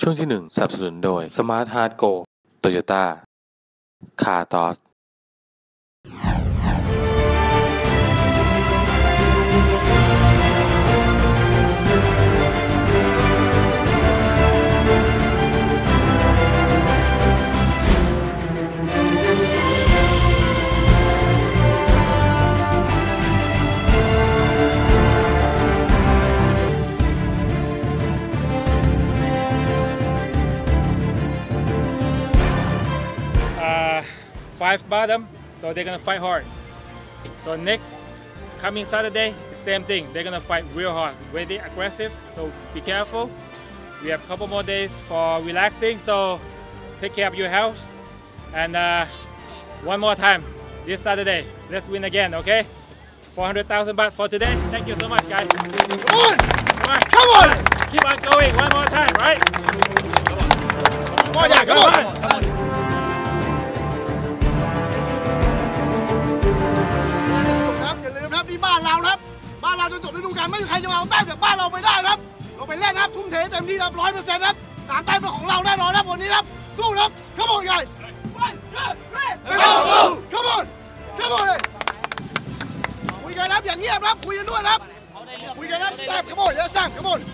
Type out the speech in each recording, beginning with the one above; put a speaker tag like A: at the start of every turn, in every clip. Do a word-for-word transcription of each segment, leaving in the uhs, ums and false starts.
A: ช่วงที่หนึ่งสนับสนุนโดย Smart Heart Go Toyota Car Toss
B: Five bottom, so they're gonna fight hard. So next, coming Saturday, the same thing. They're gonna fight real hard, very aggressive. So be careful. We have a couple more days for relaxing. So take care of your health. And uh, one more time, this Saturday, let's win again, okay? four hundred thousand baht for today. Thank you so much, guys. Come on, come on, come on. Keep on going. One more time, right? Come on, yeah, come on. Come on.
C: นี่บ้านเราครับบ้านเราจนจบฤดูกาลไม่มีใครจะมาเอาแต้มจากบ้านเราไปได้ครับเราไปเล่นครับทุ่มเทเต็มที่ครับร้อยเปอร์เซ็นต์ครับสามแต้มเป็นของเราแน่นอนครับวันนี้ครับสู้ครับ Come on guys Come on Come on คุยกันครับอย่าเงียบครับคุยกันด้วยครับคุยกันครับแซ่บ Come on เยอะแซ่บ Come on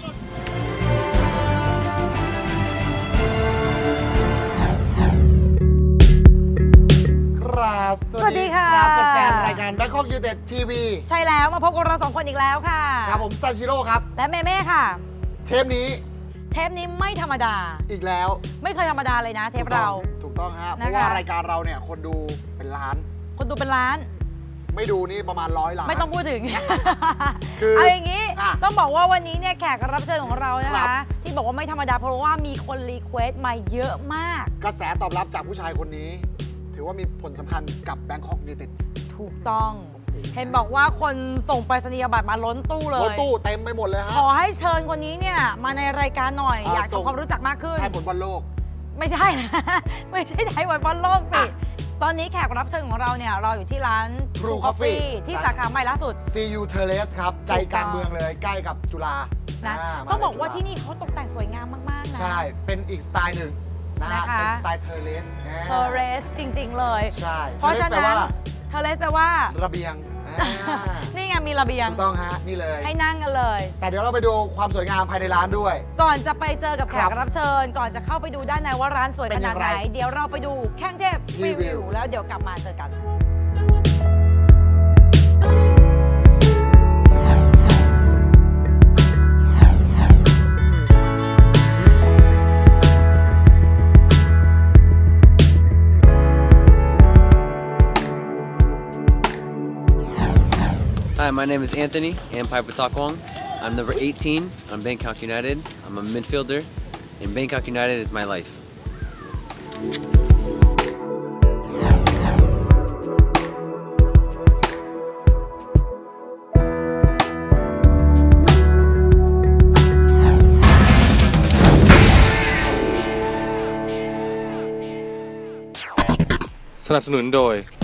D: สวัสดีค่ะแฟนรายการ Bangkok United ทีวี
E: ใช่แล้วมาพบกับเราสองคนอีกแล้วค่ะ
D: ครับผมซาชิโร่ครับ
E: และเมเม่ค่ะ
D: เทปนี้
E: เทปนี้ไม่ธรรมดา
D: อีกแล้ว
E: ไม่เคยธรรมดาเลยนะเทปเรา
D: ถูกต้องฮะเพราะว่ารายการเราเนี่ยคนดูเป็นล้าน
E: คนดูเป็นล้าน
D: ไม่ดูนี่ประมาณร้อยล้าน
E: ไม่ต้องพูดถึงคือเอาอย่างนี้ต้องบอกว่าวันนี้เนี่ยแขกรับเชิญของเรานะคะที่บอกว่าไม่ธรรมดาเพราะว่ามีคนรีเควสต์มาเยอะมาก
D: กระแสตอบรับจากผู้ชายคนนี้ถือว่ามีผลสำคัญกับ Bangkok United
E: ถูกต้องเห็นบอกว่าคนส่งไปรษณียบัตรมาล้นตู้เลย
D: ล้นตู้เต็มไปหมดเลยฮะ
E: ขอให้เชิญคนนี้เนี่ยมาในรายการหน่อยอยากทำความรู้จักมากขึ้น
D: ไทยผลบอลโลก
E: ไม่ใช่นะไม่ใช่ไทยผลบอลโลกสิตอนนี้แขกรับเชิญของเราเนี่ยเราอยู่ที่ร้าน
D: True Coffee
E: ที่สาขาใหม่ล่าสุด
D: ซี ยู Terrace ครับใจกลางเมืองเลยใกล้กับจุฬา
E: นะต้องบอกว่าที่นี่เขาตกแต่งสวยงามมากๆนะ
D: ใช่เป็นอีกสไตล์หนึ่งนะคะเป็นสไตล์เทอร์เลส
E: เทอร์เลสจริงๆเลย
D: ใช่
E: เพราะฉะนั้นเทอร์เลสแปลว่า
D: ระเบียง
E: นี่ไงมีระเบียง
D: ถูกต้องฮะนี่เลย
E: ให้นั่งกันเลย
D: แต่เดี๋ยวเราไปดูความสวยงามภายในร้านด้วย
E: ก่อนจะไปเจอกับแขกรับเชิญก่อนจะเข้าไปดูด้านในว่าร้านสวยขนาดไหนเดี๋ยวเราไปดูแข้งเทพรีวิวแล้วเดี๋ยวกลับมาเจอกัน
F: Hi, my name is Anthony Ampai Patakwong. I'm number eighteen on Bangkok United. I'm a midfielder, and Bangkok United is my life.
A: สนับสนุนโดย